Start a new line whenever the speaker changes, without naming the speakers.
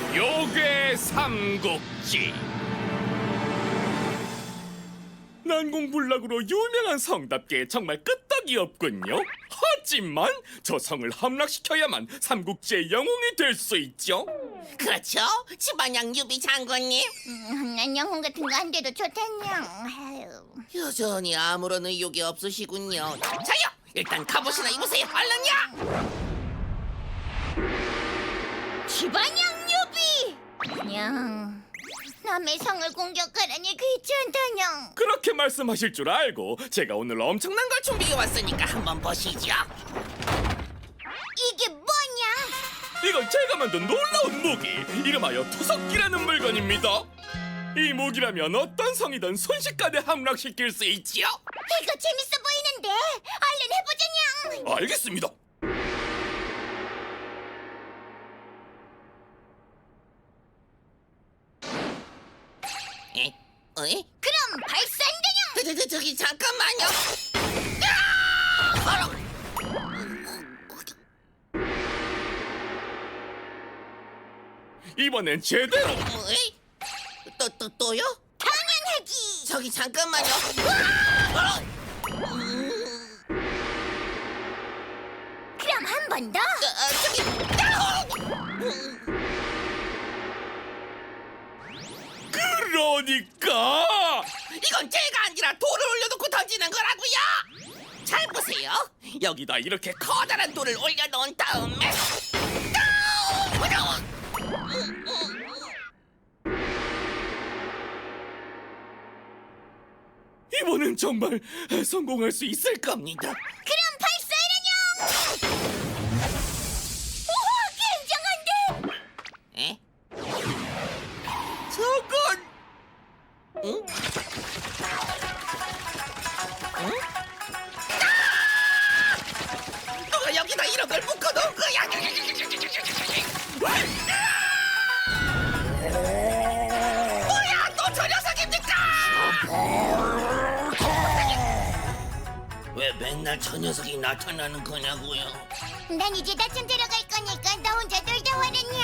요괴 삼국지. 난공불락으로 유명한 성답게 정말 끄떡이 없군요. 하지만 저 성을 함락시켜야만 삼국지의 영웅이 될 수 있죠.
그렇죠? 지반양 유비 장군님.
난 영혼 같은 거 안 돼도 좋단냥. 아유.
여전히 아무런 의욕이 없으시군요. 자요! 일단 갑옷이나 입으세요. 얼른요!
지반양 유비! 냥, 남의 성을 공격하라니 귀찮다냥.
그렇게 말씀하실 줄 알고 제가 오늘 엄청난 걸
준비해왔으니까 한번 보시죠.
이게 뭐냐?
이건 제가 만든 놀라운 무기, 이름하여 투석기라는 물건입니다. 이 무기라면 어떤 성이든 순식간에 함락시킬 수 있지요.
이거 재밌어 보이는데 얼른 해보자냥.
알겠습니다.
에? 어이?
그럼 발산되냥.
저기 잠깐만요.
이번엔 제대로.
어이? 또요?
당연하지.
저기 잠깐만요.
그럼 한 번 더.
그러니까
이건 제가 아니라 돌을 올려놓고 던지는 거라고요. 잘 보세요. 여기다 이렇게 커다란 돌을 올려놓은 다음에
이번엔 정말 성공할 수 있을 겁니다.
그럼 발사하라냥. 우와, 굉장한데.
에? 저건 응? 응? 누가 여기다 이런 걸 묶어놓은 거야? 뭐야, 또 저 녀석입니까? 왜 맨날 저 녀석이 나타나는 거냐고요?
난 이제 낮잠 자러 갈 거니까 나 혼자 놀다 와라냥.